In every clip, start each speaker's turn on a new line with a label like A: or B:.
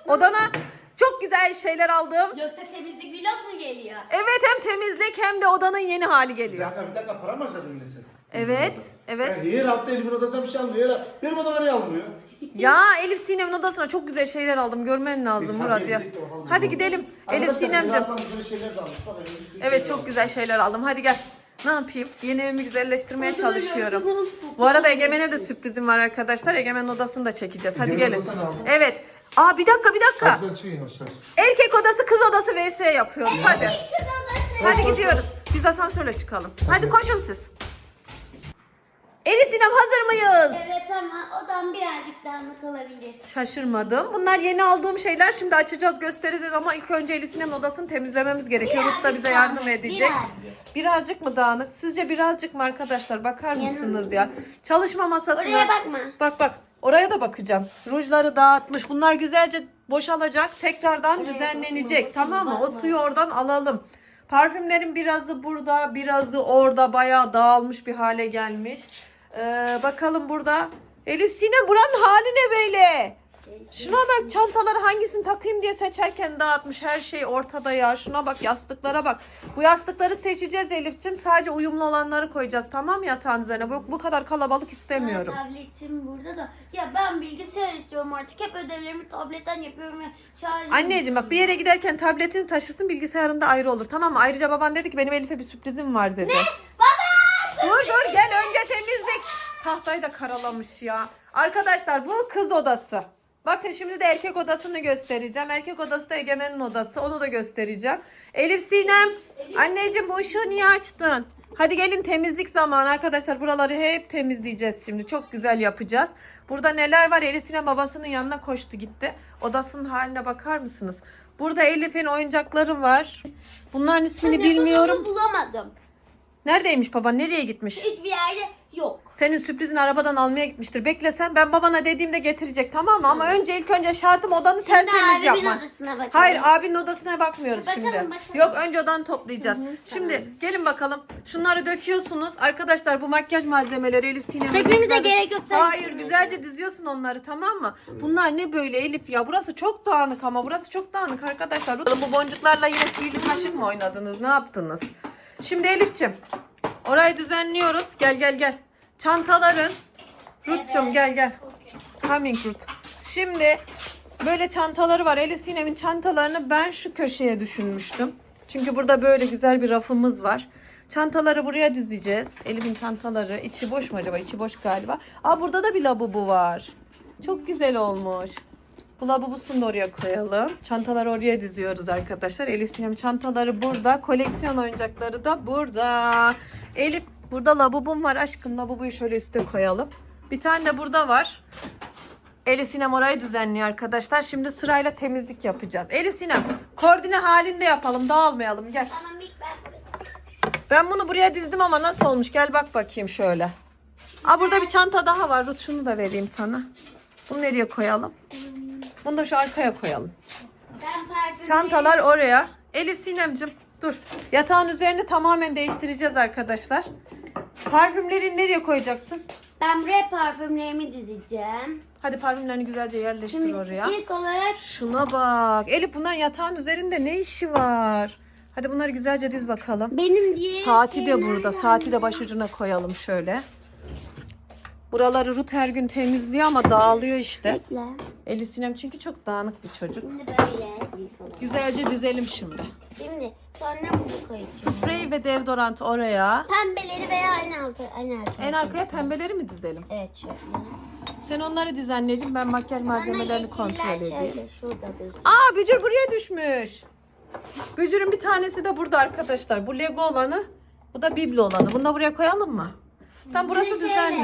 A: Odana çok güzel şeyler aldım.
B: Yoksa temizlik vlog mu geliyor?
A: Evet, hem temizlik hem de odanın yeni hali geliyor.
C: Bir dakika para mı harcadın yine sen?
A: Evet, evet.
C: Ya her hafta Elif'in odasına bir şey almıyor. Benim odama ne almıyor?
A: Ya Elif Sinem'in odasına çok güzel şeyler aldım. Görmen lazım
C: Biz
A: Murat
C: hadi
A: ya.
C: gidelim de bakalım.
A: Hadi gidelim. Elif Sinem'cim. Evet, çok güzel şeyler aldım. Hadi gel. Ne yapayım? Yeni evimi güzelleştirmeye çalışıyorum. Bu arada Egemen'e de sürprizim var arkadaşlar. Egemen'in odasını da çekeceğiz. Hadi
C: Egemen'in
A: gelin.
C: odasını aldın.
A: Evet. Aa, bir dakika.
C: Hadi çıkın yavaş yavaş.
A: Erkek odası, kız odası vs yapıyoruz. Hadi. Hadi gidiyoruz. Biz asansörle çıkalım. Hadi koşun siz. Elif Sinem, hazır mıyız?
B: Evet ama odam birazcık dağınık olabilir.
A: Şaşırmadım. Bunlar yeni aldığım şeyler. Şimdi açacağız, göstereceğiz ama ilk önce Elif Sinem'in odasını temizlememiz gerekiyor. Ruth da bize yardım edecek. Birazcık mı dağınık? Sizce birazcık mı arkadaşlar? Bakar mısınız ya? Çalışma masasına.
B: Oraya bakma.
A: Bak. Oraya da bakacağım. Rujları dağıtmış. Bunlar güzelce boşalacak. Tekrardan düzenlenecek. Tamam mı? O suyu oradan alalım. Parfümlerin birazı burada, birazı orada. Bayağı dağılmış bir hale gelmiş. Bakalım burada. Elif Sinem, buranın hali ne böyle? Şuna bak, çantaları hangisini takayım diye seçerken dağıtmış. Her şey ortada ya. Şuna bak, yastıklara bak. Bu yastıkları seçeceğiz Elif'ciğim. Sadece uyumlu olanları koyacağız, tamam mı, yatağın üzerine? Bu kadar kalabalık istemiyorum.
B: Tabletim burada da. Ya ben bilgisayar istiyorum artık. Hep ödevlerimi tabletten yapıyorum ya.
A: Anneciğim bak, bir yere giderken tabletini taşırsın, bilgisayarında ayrı olur, tamam mı? Ayrıca baban dedi ki benim Elif'e bir sürprizim var dedi. Ne? Baba! Dur gel, önce temizlik. Tahtayı da karalamış ya. Arkadaşlar, bu kız odası. Bakın, şimdi de erkek odasını göstereceğim. Erkek odası da Egemen'in odası. Onu da göstereceğim. Elif Sinem. Anneciğim, bu ışığı niye açtın? Hadi gelin, temizlik zamanı arkadaşlar. Buraları hep temizleyeceğiz şimdi. Çok güzel yapacağız. Burada neler var? Elif Sinem babasının yanına koştu gitti. Odasının haline bakar mısınız? Burada Elif'in oyuncakları var. Bunların ismini bilmiyorum.
B: Bulamadım.
A: Neredeymiş baba? Nereye gitmiş?
B: Hiçbir yerde yok.
A: Senin sürprizini arabadan almaya gitmiştir. Beklesen, ben babana dediğimde getirecek, tamam mı? Ama ilk önce şartım odanı tertemiz
B: abimin
A: yapman.
B: odasına bakalım.
A: Hayır, abinin odasına bakmıyoruz
B: Bakalım,
A: şimdi.
B: bakalım.
A: Yok, önce odanı toplayacağız. Şimdi gelin bakalım. Şunları döküyorsunuz. Arkadaşlar, bu makyaj malzemeleri Elif Sinem'in.
B: Dökmemize gerek yok.
A: Hayır, güzelce diziyorsun onları, tamam mı? Bunlar ne böyle Elif ya? Burası çok dağınık ama. Burası çok dağınık arkadaşlar. Bu boncuklarla yine sihirli kaşık mı oynadınız? Ne yaptınız? Şimdi Elif'ciğim, orayı düzenliyoruz. Gel. Çantaların. Ruth'cum gel. Coming Ruth. Şimdi böyle çantaları var. Elif Sinem'in çantalarını ben şu köşeye düşünmüştüm. Çünkü burada böyle güzel bir rafımız var. Çantaları buraya dizeceğiz. Elif'in çantaları. İçi boş mu acaba? İçi boş galiba. Aa, burada da bir lavabo var. Çok güzel olmuş. Bu lavabosunu da oraya koyalım. Çantaları oraya diziyoruz arkadaşlar. Elif Sinem çantaları burada. Koleksiyon oyuncakları da burada. Elif, burada lavabom var aşkım. Lavaboyu şöyle üste koyalım. Bir tane de burada var. Elif Sinem orayı düzenliyor arkadaşlar. Şimdi sırayla temizlik yapacağız. Elif Sinem, koordine halinde yapalım. Dağılmayalım. Gel.
B: Tamam, ilk ben buraya.
A: Ben bunu buraya dizdim ama nasıl olmuş? Gel bak bakayım şöyle. Aa, burada bir çanta daha var. Ruth, şunu da vereyim sana. Bunu nereye koyalım? Bunu da şu arkaya koyalım.
B: Ben parfüm.
A: Çantalar oraya. Elif Sinem'cim dur. Yatağın üzerini tamamen değiştireceğiz arkadaşlar. Parfümleri nereye koyacaksın?
B: Ben buraya parfümlerimi dizeceğim.
A: Hadi parfümlerini güzelce yerleştir
B: Şimdi
A: oraya.
B: ilk olarak
A: Şuna bak. Elif, bunların yatağın üzerinde ne işi var? Hadi bunları güzelce diz bakalım.
B: benim diye
A: Saati de burada. Saati de başucuna koyalım şöyle. Buraları Ruth her gün temizliyor ama dağılıyor işte.
B: Bekle.
A: Elif Sinem çünkü çok dağınık bir çocuk.
B: Şimdi böyle ilk olarak.
A: Güzelce dizelim şimdi.
B: Şimdi sonra bunu koyacağım.
A: Sprey ve deodorant oraya.
B: Pembeleri veya aynı arkaya.
A: En arkaya pembeleri mi dizelim?
B: Evet, şöyle.
A: Sen onları diz anneciğim, ben makyaj malzemelerini
B: Sonra
A: kontrol
B: yeşiller
A: edeyim.
B: şöyle şurada dursun.
A: Aa, Bücür buraya düşmüş. Bücür'ün bir tanesi de burada arkadaşlar. Bu Lego olanı, bu da biblo olanı. Bunu da buraya koyalım mı? Tam burası
B: Şöyle.
A: düzenli.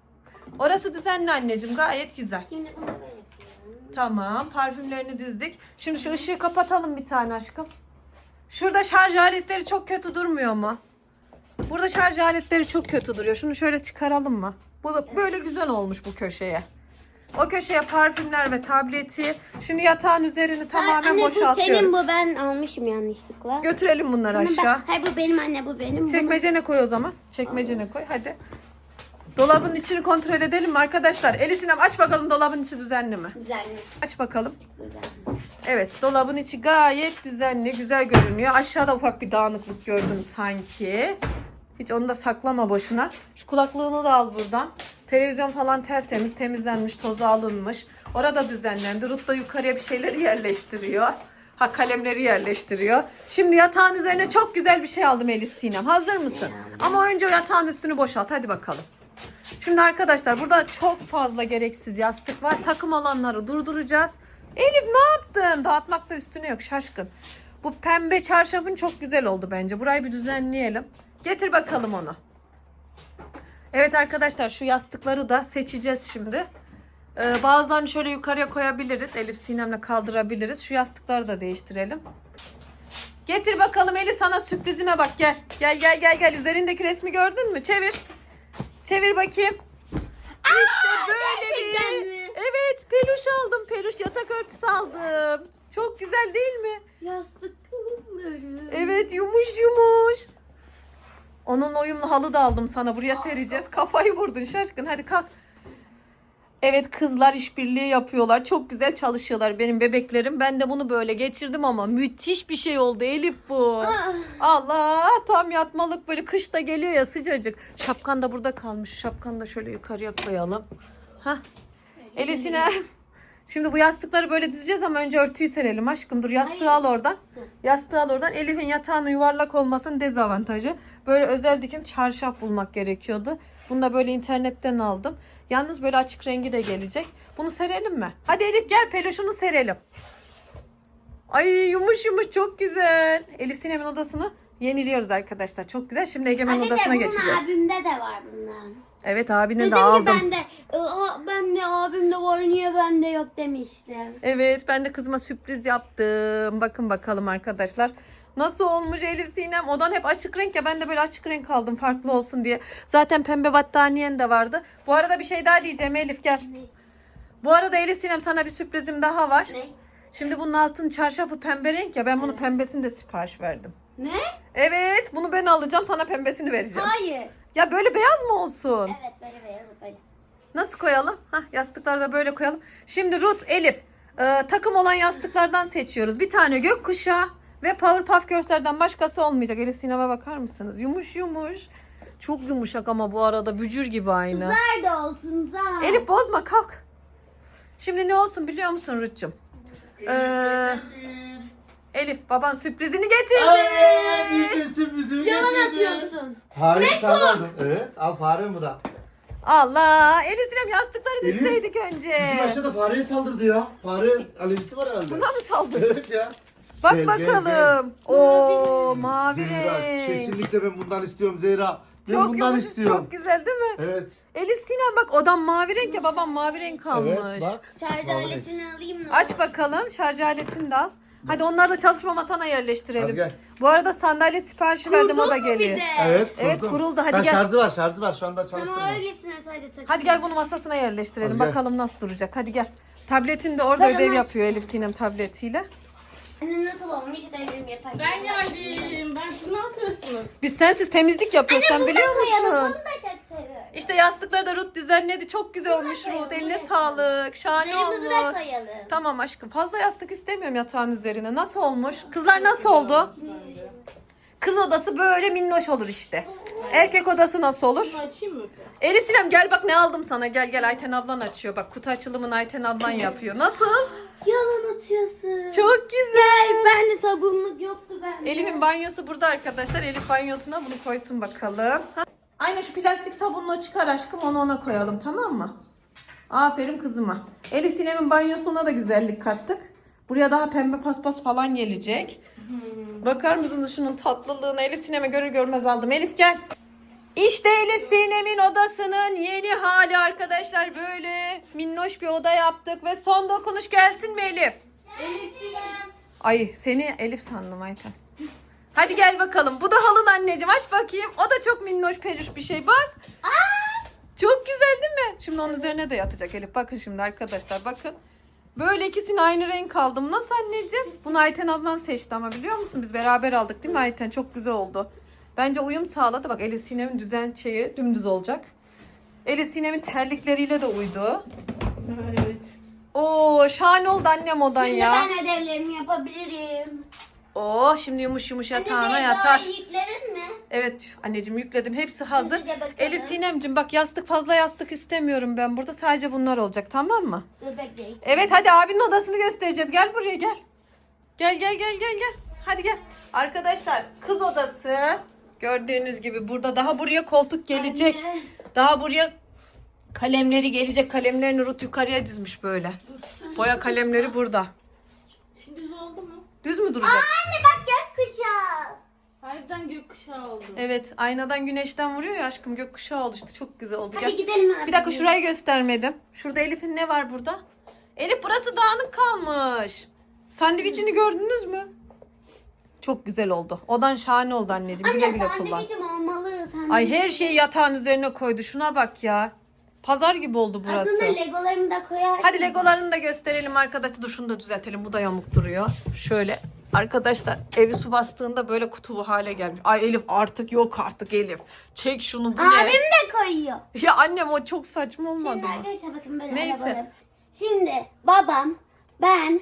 A: Orası düzenli anneciğim, gayet güzel.
B: Şimdi bunu böyle yapıyorum.
A: Tamam, parfümlerini dizdik. Şimdi şu ışığı kapatalım bir tane aşkım. Şurada şarj aletleri çok kötü durmuyor mu? Burada şarj aletleri çok kötü duruyor. Şunu şöyle çıkaralım mı? Bu da böyle güzel olmuş bu köşeye. O köşeye parfümler ve tableti. Şimdi yatağın üzerini tamamen
B: Anne, bu
A: boşaltıyoruz.
B: senin, bu ben almışım yanlışlıkla.
A: Götürelim bunları
B: Bunu ben-
A: aşağı.
B: Hayır, bu benim anne, bu benim.
A: Çekmecene koy o zaman. Çekmecene koy hadi. Dolabın içini kontrol edelim mi arkadaşlar? Elif Sinem aç bakalım dolabın içi düzenli mi?
B: Güzel mi?
A: Aç bakalım.
B: Güzel.
A: Evet, dolabın içi gayet düzenli, güzel görünüyor. Aşağıda ufak bir dağınıklık gördüm sanki. Hiç onu da saklama boşuna. Şu kulaklığını da al buradan. Televizyon falan tertemiz, temizlenmiş, tozu alınmış. Orada düzenlendi. Ruth da yukarıya bir şeyleri yerleştiriyor. Ha, kalemleri yerleştiriyor. Şimdi yatağın üzerine çok güzel bir şey aldım Elif Sinem. Hazır mısın? Ama önce o yatağın üstünü boşalt. Hadi bakalım. Şimdi arkadaşlar burada çok fazla gereksiz yastık var. Takım olanları durduracağız. Elif ne yaptın? Dağıtmakta üstüne yok, şaşkın. Bu pembe çarşafın çok güzel oldu bence. Burayı bir düzenleyelim. Getir bakalım onu. Evet arkadaşlar, şu yastıkları da seçeceğiz şimdi. Bazılarını şöyle yukarıya koyabiliriz. Elif Sinem'le kaldırabiliriz. Şu yastıkları da değiştirelim. Getir bakalım Elif, sana sürprizime bak, gel. Gel. Üzerindeki resmi gördün mü? Çevir. Çevir bakayım. İşte böyle
B: gerçekten
A: bir...
B: mi?
A: Evet, peluş aldım. Peluş yatak örtüsü aldım. Çok güzel değil mi?
B: Yastık kılıfları.
A: Evet, yumuş. Onun uyumlu halı da aldım sana. Buraya sereceğiz. Kafayı vurdun şaşkın. Hadi kalk. Evet, kızlar işbirliği yapıyorlar. Çok güzel çalışıyorlar benim bebeklerim. Ben de bunu böyle geçirdim ama müthiş bir şey oldu Elif bu. Allah, tam yatmalık, böyle kışta geliyor ya, sıcacık. Şapkan da burada kalmış. Şapkanı da şöyle yukarıya koyalım. Hah. Elif Sinem. Şimdi bu yastıkları böyle dizeceğiz ama önce örtüyü serelim aşkım. Dur, yastığı al oradan. Yastığı al oradan. Elif'in yatağının yuvarlak olmasının dezavantajı. Böyle özel dikim çarşaf bulmak gerekiyordu. Bunu da böyle internetten aldım. Yalnız böyle açık rengi de gelecek. Bunu serelim mi? Hadi Elif gel, peluşunu serelim. Ay, yumuş çok güzel. Elif Sinem'in odasını yeniliyoruz arkadaşlar. Çok güzel. Şimdi Egemen odasına geçeceğiz.
B: Bunun abimde de var bundan.
A: Evet, abine
B: Dedim
A: de
B: ki
A: aldım.
B: ben de abimde var, niye bende yok demiştim.
A: Evet, ben de kızıma sürpriz yaptım. Bakın bakalım arkadaşlar. Nasıl olmuş Elif Sinem? Odan hep açık renk ya, ben de böyle açık renk aldım farklı olsun diye. Zaten pembe battaniyen de vardı. Bu arada bir şey daha diyeceğim Elif, gel.
B: Ne?
A: Bu arada Elif Sinem, sana bir sürprizim daha var.
B: Ne?
A: Şimdi bunun altın çarşafı pembe renk ya, ben bunu pembesini de sipariş verdim.
B: Ne?
A: Evet, bunu ben alacağım, sana pembesini vereceğim.
B: Hayır.
A: Ya böyle beyaz mı olsun?
B: Evet, böyle beyaz böyle.
A: Nasıl koyalım? Hah, yastıkları da böyle koyalım. Şimdi Ruth, Elif, takım olan yastıklardan seçiyoruz. Bir tane gökkuşağı ve Powerpuff Girls'lerden başkası olmayacak. Elif Sinem'e bakar mısınız? Yumuş. Çok yumuşak ama bu arada bücür gibi aynı.
B: Nerede olsun da?
A: Elif bozma, kalk. Şimdi ne olsun biliyor musun Ruth'cum? Elif, baban sürprizini getirdi.
C: Evet, iyi sürprizimi
B: Yalan
C: getirdi.
B: atıyorsun.
C: Hayır, sen aldın. Evet, al farem bu da.
A: Allah, Elif Sinem, yastıkları
C: Elif,
A: dizseydik önce.
C: Bizim aşağıda fareye saldırdı ya. Fare alerjisi var herhalde.
A: Buna mı saldırdın?
C: Evet ya.
A: Bak
C: Gel,
A: bakalım. Oo, mavi
C: Zehra,
A: renk.
C: kesinlikle ben bundan istiyorum Zehra. Ben
A: Çok
C: bundan
A: yumuşak,
C: istiyorum.
A: çok güzel değil mi?
C: Evet.
A: Elif Sinem bak, odam mavi renk ya, babam mavi renk almış.
C: Evet, bak.
B: Şarj
C: Mavi renk.
B: aletini alayım mı?
A: Aç bakalım, şarj aletini de al. Hadi onları da çalışma masana yerleştirelim.
C: Hadi gel.
A: Bu arada sandalye siparişi verdim, o da
B: Kurdun mu bir
A: geliyor.
B: de?
C: Evet,
A: kuruldu. Hadi
C: Ha,
A: gel.
C: şarjı var. Şu anda çalıştırma.
B: Tamam, öylesine sadece takayım.
A: Hadi gel, bunu masasına yerleştirelim.
C: Hadi gel.
A: Bakalım nasıl duracak. Hadi gel. Tabletin de orada
B: Tamam,
A: ödev
B: hadi.
A: yapıyor Elif Sinem tabletiyle.
B: Anne nasıl olmuş devrim yapayım.
D: Ben geldim. Siz ne yapıyorsunuz?
A: Biz sensiz temizlik yapıyoruz, sen biliyor
B: Koyalım,
A: musun?
B: bunu da çok seviyorum.
A: İşte yastıkları da Ruth düzenledi. Çok güzel olmuş
B: koyalım,
A: Ruth. Eline
B: bunu
A: sağlık. Şahane
B: Üzerimizi de
A: olmuş.
B: koyalım.
A: Tamam aşkım. Fazla yastık istemiyorum yatağın üzerine. Nasıl olmuş? Kızlar nasıl oldu? Kız odası böyle minnoş olur işte. Erkek odası nasıl olur?
D: Şunu açayım mı?
A: Elif Sinem, gel bak ne aldım sana. Gel, Ayten ablan açıyor. Bak, kutu açılımını Ayten ablan yapıyor. Nasıl?
B: Yalan atıyorsun.
A: Çok güzel.
B: Ben de sabunluk yoktu bende.
A: Elif'in banyosu burada arkadaşlar. Elif banyosuna bunu koysun bakalım. Ha? Aynen, şu plastik sabunluğu çıkar aşkım. Onu ona koyalım, tamam mı? Aferin kızıma. Elif Sinem'in banyosuna da güzellik kattık. Buraya daha pembe paspas falan gelecek. Bakar mısınız şunun tatlılığına? Elif Sinem'e görür görmez aldım. Elif gel. İşte Elif Sinem'in odasının yeni hali arkadaşlar. Böyle minnoş bir oda yaptık ve son dokunuş gelsin mi Elif?
D: Elif Sinem.
A: Ay, seni Elif sandım Ayten. Hadi gel bakalım. Bu da halın anneciğim. Aç bakayım. O da çok minnoş peluş bir şey. Bak. Çok güzel değil mi? Şimdi onun üzerine de yatacak Elif. Bakın şimdi arkadaşlar, bakın. Böyle ikisini aynı renk aldım. Nasıl anneciğim? Bunu Ayten ablan seçti ama biliyor musun? Biz beraber aldık değil mi Ayten? Çok güzel oldu. Bence uyum sağladı. Bak, Elif Sinem'in düzen şeyi dümdüz olacak. Elif Sinem'in terlikleriyle de uydu.
D: Ha, evet.
A: Oo, şahane oldu annem odan
B: Şimdi
A: ya.
B: ben ödevlerimi yapabilirim.
A: Oo, şimdi yumuş yumuş yatağına
B: Anne,
A: yatar.
B: Lego'yu yükledin mi?
A: Evet anneciğim yükledim. Hepsi hazır.
B: Hızlıca bakalım.
A: Elif Sinem'cim bak fazla yastık istemiyorum ben burada. Sadece bunlar olacak, tamam mı?
B: Dur bekleyin.
A: Evet hadi abinin odasını göstereceğiz. Gel buraya gel. Gel. Hadi gel. Arkadaşlar kız odası. Gördüğünüz gibi burada daha buraya koltuk gelecek.
B: Anne.
A: Daha buraya kalemleri gelecek. Kalemlerini Ruth yukarıya dizmiş böyle. Boya kalemleri burada.
D: Şimdi düz oldu mu?
A: Düz mü duracak?
B: Anne bak gökkuşağı.
D: Harbiden gökkuşağı oldu.
A: Evet, aynadan güneşten vuruyor ya aşkım, gökkuşağı oldu işte, çok güzel oldu.
B: Hadi
A: Gel.
B: gidelim abi.
A: Bir dakika, şurayı göstermedim. Şurada Elif'in ne var burada? Elif, burası dağınık kalmış. Sandviçini gördünüz mü? Çok güzel oldu. Odan şahane oldu anneciğim. Güle güle
B: Anne
A: kullan.
B: sandviçim olmalı.
A: Ay, her şeyi yatağın üzerine koydu. Şuna bak ya. Pazar gibi oldu burası.
B: Aslında legolarımı da koyar.
A: Hadi legolarını da gösterelim arkadaşlar. Dur şunu da düzeltelim. Bu da yamuk duruyor. Şöyle. Arkadaşlar evi su bastığında böyle kutu bu hale gelmiş. Ay Elif, artık Elif. Çek şunu, bu ne?
B: Abim de koyuyor.
A: Ya annem, o çok saçma olmadı
B: Şimdi
A: mı?
B: arkadaşlar bakın böyle
A: Neyse.
B: arabalarım. Şimdi babam, ben,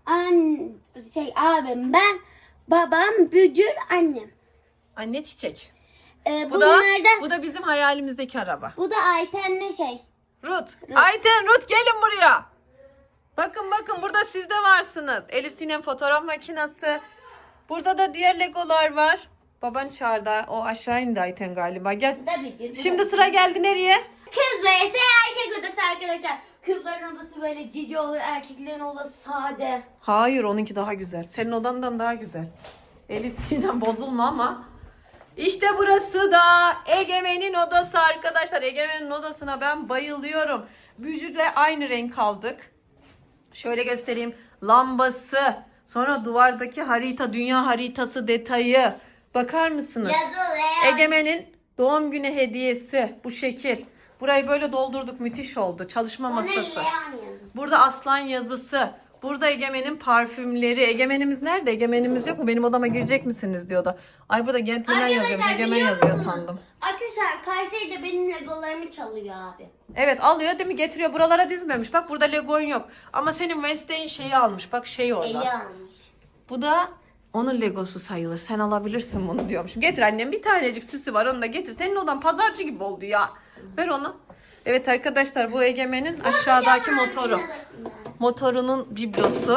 B: abim, ben, babam, Bücür, annem.
A: Anne çiçek.
B: Bunlardan,
A: Bu da bizim hayalimizdeki araba.
B: bu da Ayten'le
A: Ruth. Ayten, Ruth gelin buraya. Bakın burada siz de varsınız. Elif Sinem fotoğraf makinesi. Burada da diğer legolar var. Baban çağırdı. O aşağı indi Ayten galiba. Gel.
B: Bu da Bücür.
A: Şimdi sıra geldi nereye?
B: Kız vs erkek odası arkadaşlar. Kızların odası böyle cici oluyor, erkeklerin odası sade.
A: Hayır, onunki daha güzel. Senin odandan daha güzel. Elif Sinem bozulma ama. İşte burası da Egemen'in odası arkadaşlar. Egemen'in odasına ben bayılıyorum. Bücür'le aynı renk aldık. Şöyle göstereyim. Lambası. Sonra duvardaki harita, dünya haritası detayı. Bakar mısınız?
B: Yazılı.
A: Egemen'in doğum günü hediyesi. Bu şekil. Burayı böyle doldurduk. Müthiş oldu. Çalışma masası. Burada aslan yazısı. Burada Egemen'in parfümleri. Egemen'imiz nerede? Egemen'imiz yok mu? Benim odama girecek misiniz diyordu. Ay, burada gentleman yazıyormuş. Egemen
B: biliyor
A: yazıyor
B: musunuz?
A: sandım.
B: Arkadaşlar Kayseri'de benim legolarımı çalıyor abi.
A: Evet, alıyor değil mi? Getiriyor. Buralara dizmemiş. Bak, burada Lego'un yok. Ama senin Wednesday'in şeyi almış. Bak, şey orada.
B: Eli almış.
A: Bu da onun Legosu sayılır. Sen alabilirsin bunu diyormuşum. Getir annem, bir tanecik süsü var, onu da getir. Senin odan pazarcı gibi oldu ya. Ver onu. Evet arkadaşlar, bu Egemen'in aşağıdaki motoru. Motorunun biblosu.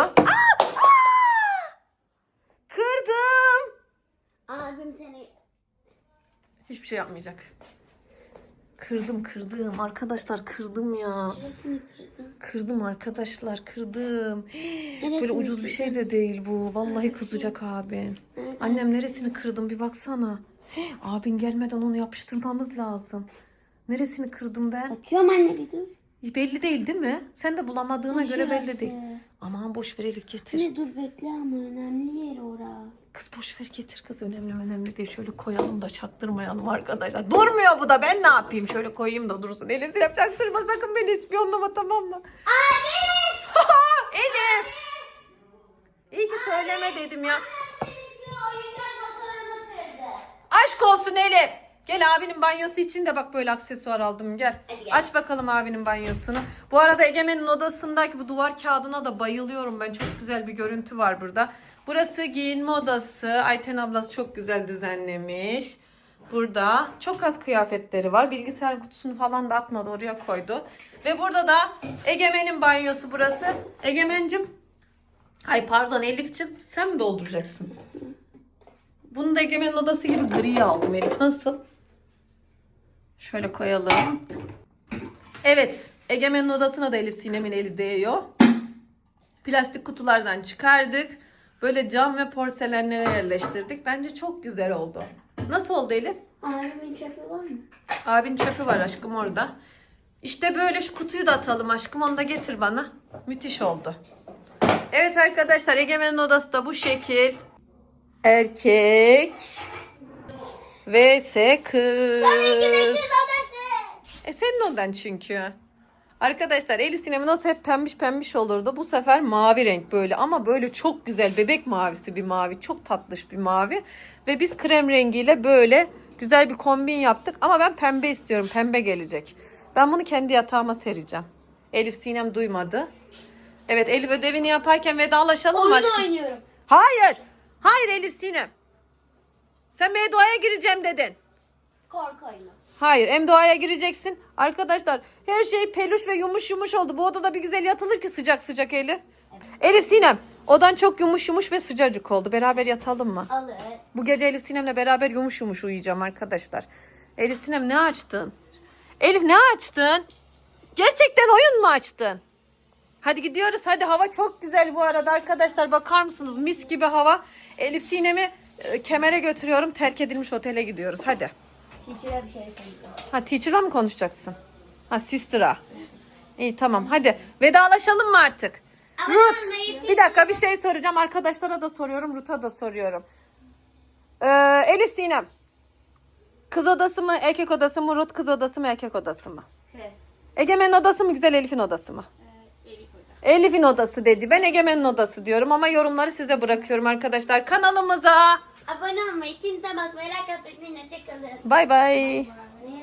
A: Kırdım.
B: Abim seni...
A: Hiçbir şey yapmayacak. Kırdım. Arkadaşlar kırdım ya.
B: Neresini kırdın?
A: Kırdım arkadaşlar, kırdım.
B: Neresini
A: Böyle ucuz bir şey de değil bu. Vallahi kızacak abin. Annem, neresini kırdım bir baksana. Abin gelmeden onu yapıştırmamız lazım. Neresini kırdım ben?
B: Bakıyorum anne bir dur.
A: Belli değil mi? Sen de bulamadığına
B: Bu
A: göre belli
B: şurası.
A: değil. Aman boş ver Elif, getir.
B: Ne dur bekle ama önemli yer ora.
A: Kız boş ver, getir kız, önemli değil. Şöyle koyalım da çaktırmayalım arkadaşlar. Durmuyor bu da, ben ne yapayım? Şöyle koyayım da dursun. Elif Sinem, çaktırma sakın, beni ispiyonlama, tamam mı? Abi! Elif! İyi ki söyleme dedim ya. Aşk olsun Elif. Gel, abinin banyosu için de bak böyle aksesuar aldım, gel.
B: Hadi gel.
A: Aç bakalım abinin banyosunu. Bu arada Egemen'in odasındaki bu duvar kağıdına da bayılıyorum ben. Çok güzel bir görüntü var burada. Burası giyinme odası. Ayten ablası çok güzel düzenlemiş. Burada çok az kıyafetleri var. Bilgisayar kutusunu falan da atmadı, oraya koydu. Ve burada da Egemen'in banyosu burası. Egemen'cim. Ay pardon Elif'cim. Sen mi dolduracaksın? Bunu da Egemen'in odası gibi gri aldım Elif. Nasıl? Şöyle koyalım. Evet. Egemen'in odasına da Elif Sinem'in eli değiyor. Plastik kutulardan çıkardık. Böyle cam ve porselenlere yerleştirdik. Bence çok güzel oldu. Nasıl oldu Elif?
B: Abimin çöpü var mı?
A: Abinin çöpü var aşkım orada. İşte böyle, şu kutuyu da atalım aşkım. Onu da getir bana. Müthiş oldu. Evet arkadaşlar, Egemen'in odası da bu şekil. Erkek vs kız. Senin odan çünkü. Arkadaşlar Elif Sinem'in odası hep pembiş olurdu. Bu sefer mavi renk böyle, ama böyle çok güzel bebek mavisi bir mavi. Çok tatlış bir mavi. Ve biz krem rengiyle böyle güzel bir kombin yaptık. Ama ben pembe istiyorum. Pembe gelecek. Ben bunu kendi yatağıma sereceğim. Elif Sinem duymadı. Evet Elif ödevini yaparken vedalaşalım mı
B: Oyun
A: aşkım?
B: oynuyorum.
A: Hayır. Hayır Elif Sinem. Sen Mevdua'ya gireceğim dedin.
B: Korku oyunu.
A: Hayır Mevdua'ya gireceksin. Arkadaşlar her şey peluş ve yumuş yumuş oldu. Bu odada bir güzel yatılır ki sıcak sıcak Elif. Elif Sinem odan çok yumuş yumuş ve sıcacık oldu. Beraber yatalım mı?
B: Alır.
A: Bu gece Elif Sinem'le beraber yumuş yumuş uyuyacağım arkadaşlar. Elif Sinem ne açtın? Elif ne açtın? Gerçekten oyun mu açtın? Hadi gidiyoruz. Hadi hava çok güzel bu arada arkadaşlar. Bakar mısınız? Mis gibi hava. Elif Sinem'i Kemer'e götürüyorum. Terk edilmiş otele gidiyoruz. Hadi.
B: Teacher'a bir şey söyleyeceğim.
A: Ha teacher'la mı konuşacaksın? Ha sister'a. İyi tamam hadi. Vedalaşalım mı artık?
B: Ama
A: Ruth
B: anlayıp-
A: bir dakika bir şey soracağım. Arkadaşlara da soruyorum. Ruth'a da soruyorum. Elif Sinem. Kız odası mı erkek odası mı? Ruth kız odası mı erkek odası mı?
B: Kız.
A: Egemen'in odası mı güzel Elif'in odası mı? Elif'in odası dedi. Ben Egemen'in odası diyorum ama yorumları size bırakıyorum arkadaşlar. Kanalımıza
B: Abone olmayı, kimse basmayı, like atmayı, hoşçakalın.
A: bay bay.
B: Bye.